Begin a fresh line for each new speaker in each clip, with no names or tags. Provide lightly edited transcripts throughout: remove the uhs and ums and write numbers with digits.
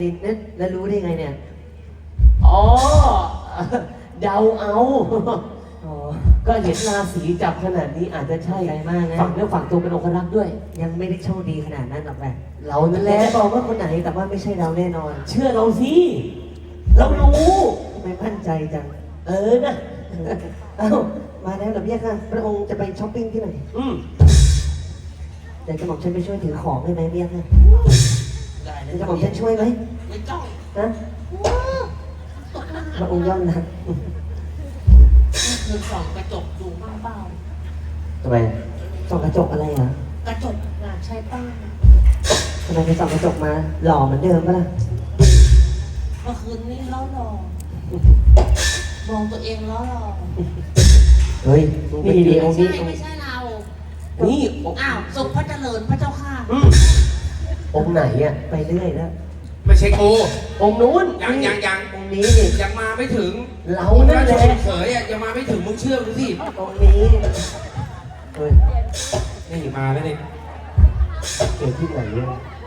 เนี่ยแล้วรู้ได้ไงเนี่ย
อ๋อ เดาเอา
อ๋อ
ก็เห็นราศีจับขนาดนี้อาจจะใช่
ใจมากนะ
ฝั่งเนื้อฝั่งตัวเป็นองครักษ์ด้วย
ยังไม่ได้โชคดีขนาดนั้นหรอกแม่
เรานั่นแห
แต่
ละ
จะบอกว่าคนไหนแต่ว่าไม่ใช่เราแน่นอน
เชื่อเราสิ เรารู้
ทำไมมั่นใจจัง
นะ
เอ้ามาแล้วเหรอพี่ค่ะพระองค์จะไปช้อปปิ้งที่ไหน
อืม
เดี๋ยวจะบอกฉันไปช่วยถือของได้ไหมพี่ค่ะ
ได้เลย
จะบอกฉันช่วยไหม
ไม่ต้อง
นะพระองค์ย่อมนะ
คือส่องกระจกดูบ้างเปล่า
ทำไม
ส่องกระจกอะไรอ่ะ
กระจกน่ะใช่ป้า
ทำไมไปส่องกระจกมาหล่อเหมือนเดิมปะล่ะ
เมื่อคืนนี้ล้อหล่อมองตัวเองล้อหล่อ
เฮ้ยนี่ดีองค์
ใช่
นี้
ไม่ใช่เรา
นี่
อ้าวสุขพระเจริญพระเจ้าค่ะ
อืมองค์ไหนอ่ะ
ไปเรื่อยแล้ว
ไม่ใช่กู
องค์นู้น
ยัง
องค์นี้นี่
ยังมาไม่ถึง
เรานั่นแหละ
ราชบุตรเขยอ่ะยังมาไม่ถึงมึงเชื่อกูสิ
องค์นี้เฮ้ย
นี่มาแล้วนี่
เกิดที่ไหนเนี่ย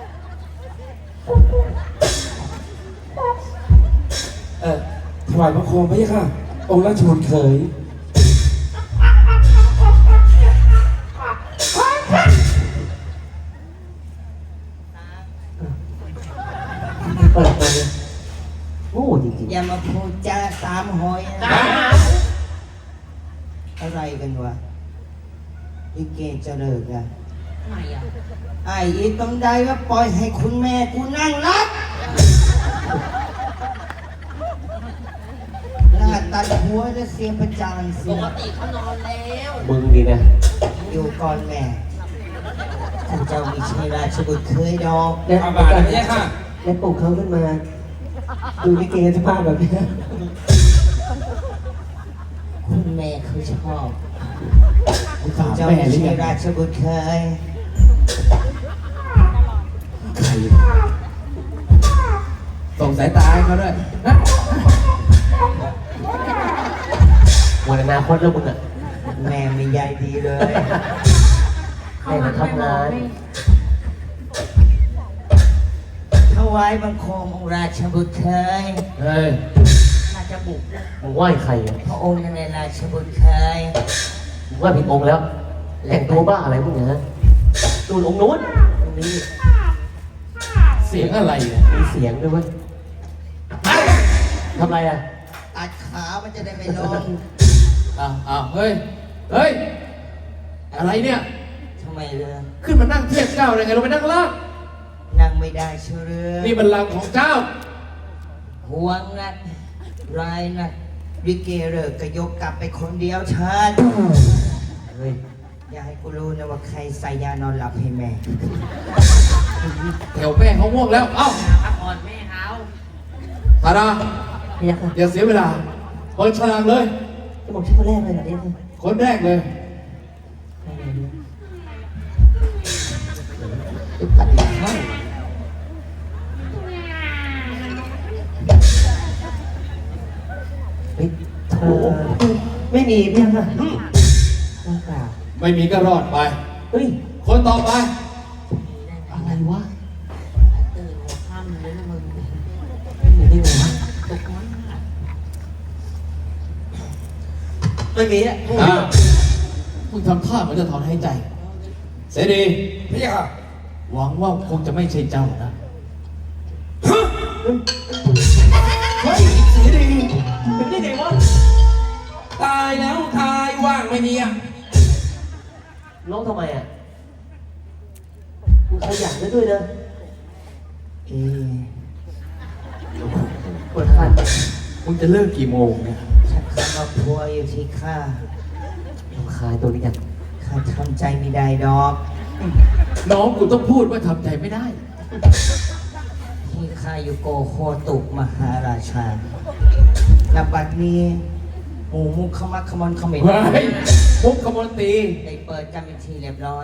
ถวายพระโคมพระยะค่ะ องค์ราชบุตรเขย
เปิดมาเลย
โง่จริง
อย่ามาพูดจาตามหอยนะอะไรกันวะลิเกจะเลิกอะ
ทำไมอ่ะ
ไอ้อีต้องได้ว่าปล่อยให้คุณแม่กูนั่งรับลาดตัดหัวและเสียประจานเสี
ป
ย
กติเขานอนแล้ว
ๆมึงดีนะ
อยู่ก่อนแม่ท่านเจ้ามีชัยราชบุตรเคยดอก
แล้ว
อาบาทพระยะค่ะ
แล้วปลุกเขาขึ้นมา ดูลิเกสภาพแบบนี้
คุณแม่เขาชอบ
ถาม
เจ้า
แม่
มี
หรือ
ชั
ยั
ย
ง
ราชบุตรเคย
ใครส่งสายตาให้เขาด้วยนะ
หมดอนาคตแล้วมึงอ่ะ
แม่ไม่ใยดีเลย
ให้มาทำงาน
ถวายบังคมองค์ราชบุตรเคย
เฮ้ย
น่าจะบุกนะ
มึงไหว้ใครอ่ะ
พระองค์นั่นแหละราชบุตรเคย
มึงไหว้ผิดองค์แล้ว แต่งตัวบ้าอะไรพวกเนี้ยดูองค์นู้นองค์นี้
เสียงอะไรเนี่ย
มีเสียงด้วยเว้ยทำไรอ่ะ
ตัดขามันจะได้ไม่ลง
อ้าวเฮ้ย เฮ้ย อะไรเนี่ย
ทำไมเรือ
ขึ้นมานั่งเทียบเจ้าได้ไงลงไปนั่งล่าง
นั่งไม่ได้เชื่อเรือ
นี่มันลังของเจ้า
ห่วงนักรายนักวิเกเลิกก็ยกกลับไปคนเดียวเชิญ
เฮ้ย
อย่าให้กูรู้นะว่าใครใส่ยานอนหลับให้แม่
แถวแม่เขาง่วงแล้ว เอ้า
พักผ่อนแม่เขา
ธาดา
พี่ยักษ์ค่ะ
อย่าเสียเวลา เปิดฉลากเลย
จะบอกชื่อคนแรกเลยเหรอเนี่ยค่ะ
คนแรกเลย
ตัดอีกข้างเฮ้ยโถไม่มีพี่ยักษ์ค่ะว่างเปล่า
ไม่มีก็รอดไป
เฮ้ย
คนต่อไป
อะไรวะ
ตื่นหัวค่ำเลยนะมึง
ไม่มีได้ไงวะ
ตกมันอ่ะ
ไม่มีอ่ะ
มึงทำท่าเหมือนจะถอนหายใจ เสดีพี่ค่ะ หวังว่าคงจะไม่ใช่เจ้านะ เฮ้ยเสดี
เป็นได้ไงวะ
ตายแล้วทายว่างไม่มีอ่ะ
ร้องทำไมอ่ะมึงขยันได้ด้วยนะ
เอ๊ะ
ปวดขัน
มึงจะเลิกกี่โมงเนี่ย
ฉันคำว่าพัวอยู่ที่ข้า
ลำคายตัวนี้กัน
ข้าทำใจไม่ได้ดอก
น้องกูต้องพูดว่าทำใจไม่ได้
ที่ข้าอยู่โกโคตุมหาราชาณบัดนี้หมู่มุขขมักขมอนเขม็น
เฮ้ยพุกขมลตี
ได้เปิดกันเป็นทีเรียบร้อย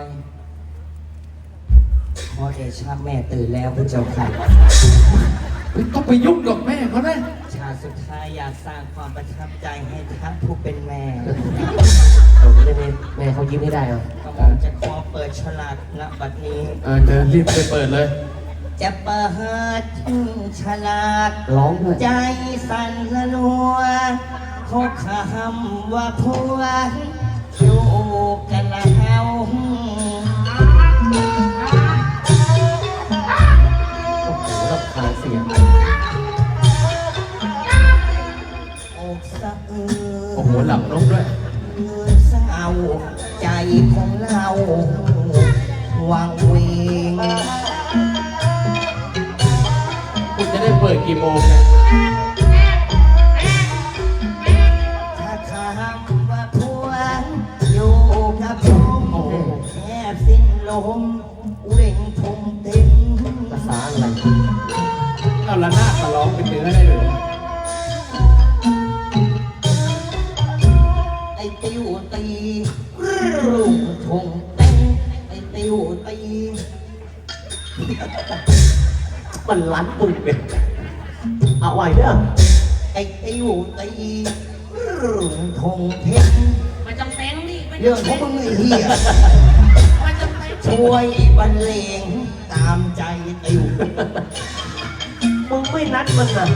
ขอเดชะแม่ตื่นแล้วพระเจ้าค่ะ
เฮ้ยต้องไปยุ่งกับแม่เขานะ
ชาติสุดท้ายอยากสร้างความประทับใจให้ทั้งผู้เป็นแม่
เราไม่ได้แม่เขายิ้มให้ได้เหรอ
ก็ผมจะขอเปิดฉลากณบัดนี้
เดินรีบไปเปิดเลย
จะเปิดฉลาด
ร้องด้วย
ใจสั่นละลัวเขาคำว่าพวกอยู่กันแล้ว
โอ้โหรำคาญเสียง
อกสะอื้
โอ้โหหลับนกด้วย
เศร้าใจของเราวังเวง
คุณจะได้เปิดกี่โมงเนี่ย
ถ้าคำว่าพวกอยู่กับผมแทบสิ้นลมเว่งทงเต็ม
ภาษาอะไร
เอาละนาดมาร้องเป็นเนื้อได้เลย
ไอ้ติวตีรุ่งทงเต็มไอ้ติวตี
มันลั้นปึกเลยเอาไหวเด้อ
ไอ้ติวตีรุ่งทงเพ็ง
มันจำเป็นนี่มัน
เรื่องของมึงไอ้เหี้ย
มันจำเป็น
ช่วยบรรเลงตามใจติว
มึงไม่นัดมันนะ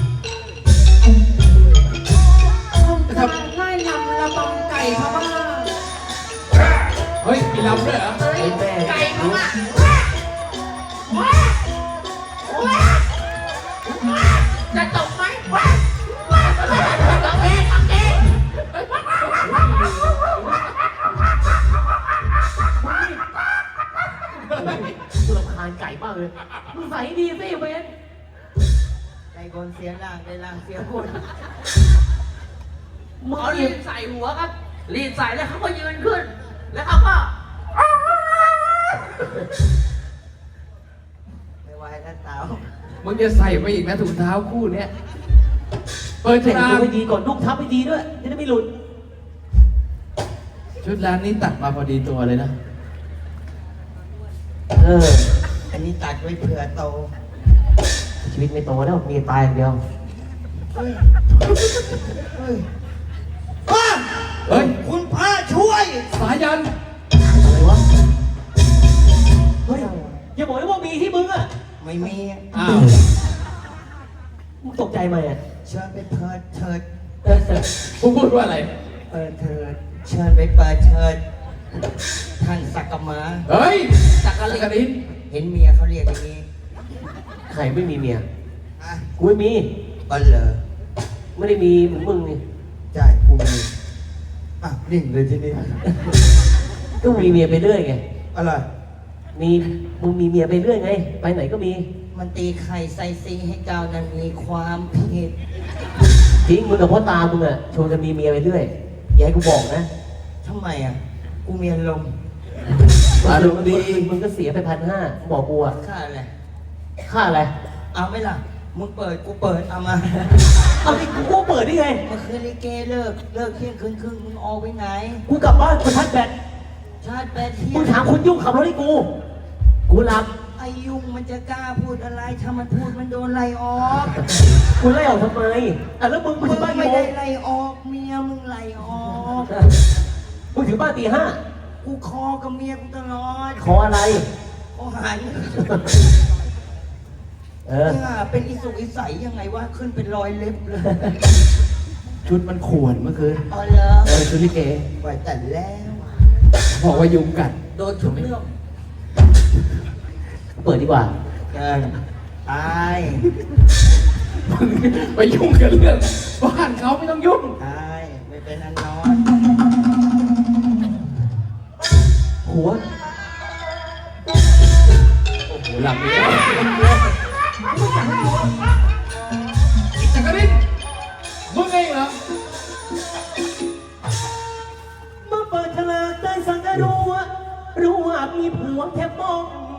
ทำไล่ลำระบำไก่เขาบ้าง
เฮ้ยมีลำด้วยเหรอ
ไอ้แม่
ไก่เขาบ้างจะตกไหมโอเคโอเค
กูรำคาญไก่มากเลยมึงใส่ดีสิเวน
ใจคนเสียล่างได้ล่างเสียบน
มึง
เขา
ห
รี
ยิ
ด
บ
ใส่หัวครับรีดใส่แล้วเขาก็ยืนขึ้น แล้วเขาก็
ไม่ไหวแล้วเต๋า
มึงจะใส่ไปอีกนะถุงเท้าคู่เนี้ยเปิด
แต่ง
ร้า
ตัวน ให้ดีก่อนลูกทับให้ดีด้วยจะได้ไม่หลุด
ชุดร้านนี้ตัดมาพอดีตัวเลยนะ
เออ
อันนี้ตัดไว้เผื่อโต
ชีวิตไม่โตแล้วมีตายอย่างเดียว
เฮ้ยเฮ้ยป้า
เฮ้ย
คุณพระช่วย
สายัน
อะไรวะ เฮ้ย อย่าบอกนะว่ามีที่มึงอะ
ไม่มี
อ้าว
มึงตกใจไหมอะ
เชิญไปเปิดเถิด
เออแต่
กูพูดว่าอะไร
เปิดเถิดเชิญไปเปิดเถิดท่านสักกะมา
เฮ้ย
จักร
สั
ลิ
กกะดิน
เห็นเมียเขาเรียกอย่างนี้
ใครไม่มีเมีย
อ่ะ
กูไม่มี
บันเหรอ
ไม่ได้มีเหมือนมึงนี่
ใช่กูมีอ่ะนิ่งเลยทีนี้
ก็มีเมียไปเรื่อยไง
อะไร
มึงมีเมียไปเรื่อยไง ไปไหนก็มี
มันตีไข่ใส่ซีให้เกานั้นมีความผิด
จริงมึงกับพ่อตามึงอะชวนกันมีเมียไปเรื่อย อย่าให้กูบอกนะ
ทำไมอ่ะ กูมีอารมณ์
อารมณ์ดีมึงก็เสียไป1,500บอกกูอะ
ค่าอะไร
ค่าอะไร
เอาไหมล่ะ มึงเปิดกูเปิดเอามา
เอาดิกูเปิดได้ไง
เมื่อคืนลิเกเลิกเที่ยงคืนครึ่งมึงออกไปไหน
กูกลับบ้านกูชาร์จแบต
ชาติแปดเที่ย
มึ
ง
งถามคนยุ่งขับรถให้กู กูหลับ
ไอยุงมันจะกล้าพูดอะไร ถ้ามันพูดมันโดนไล่ออก
กูไล่ออกทำไมอ่ะแล้วมึง
มึง
ถึงบ้าน
ไม่
กี่โม
ได้
ง
ไล่ออกเมียมึงไล่ออก
มึงถึงบ้านตี 5
กูคอกับเมียกูตลอด
ขออะไร
ขอหัน
เออ
เนี่ยเป็นอิสุกอิสัยยังไงวะขึ้นเป็นรอยเล็บเลย
ชุดมันข่วนเมื่อคืน
อ๋อเหรอ
ชุดลิเก
ไหวแต่แล้ว
บอกว่ายุงกัด
โดนทุกเรื่อง
เปิดดีกว่า
เกินตาย
ไปยุ่งกับเรื่องบ้านเขาไม่ต้องยุ่ง
ตายไม่เป็นอันนอน
หัว
โอ้โหหลับนี้จักรินมึงเองเหรอ
เมื่อเปิดฉลากได้สังกะรู้ว่ามีผัวแค่มอง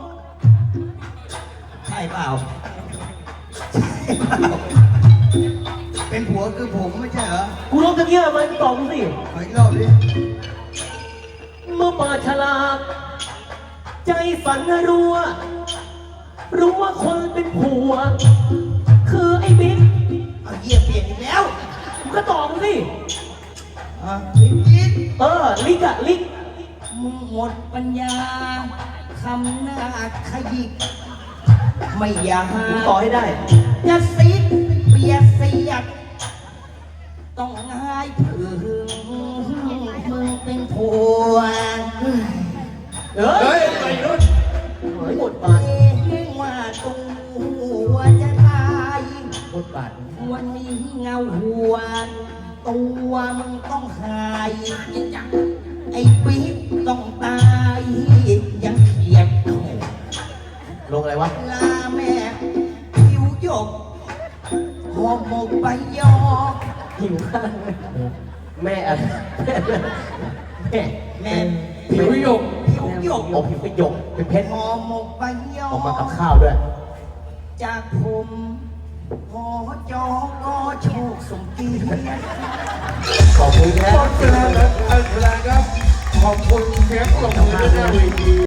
ใช่เปล่าใช่เปล่าเป็นผัวคือผมไม่ใช่เหรอ
กูร้องตะเกียบมันตอบกูสิ
ขออีกรอบดิ
เมื่อเปิดฉลากใจสั่นรู้ว่าคนเป็นผัว คือไอ้บิ๊ก
เอาเยี่ยเปลี่ยนอีกแล้ว
มึงก็ตอบกูสิ
อ่ะบิ๊ก
ลิกอะลิก
มึงหมดปัญญาคำหน้าขยิกไม่อยาก
ผมต่อให้ได้
จะซิดเบียดเสียดต้องให้พึ่งมึงเป็นผัว
เฮ้ยไปรุ่นหมดบาท
เองว่าตัวจะตาย
หมดบาท
วันนี้เงาหัวตัวมึงต้องหายไอ้ปิ๊กต้องตายยังเขียด
ลงอะไรวะ
ลาแม่ผิวหยกหอมหมกใบยอ
หิวข้าวไหม
แม่อะไรแม่
แม่
ผิวหยก
ผิวหยก
โอ้ผิวเป็นหยกเป็นเพชร
หอมหมกใบยอ
ออกมากับข้าวด้วย
จากผมพอจอก็โชคสมเกียรติ
ขอบคุณครับ
ขอบคุณครับขอบคุณเสียงปรบมือด้วยนะเวที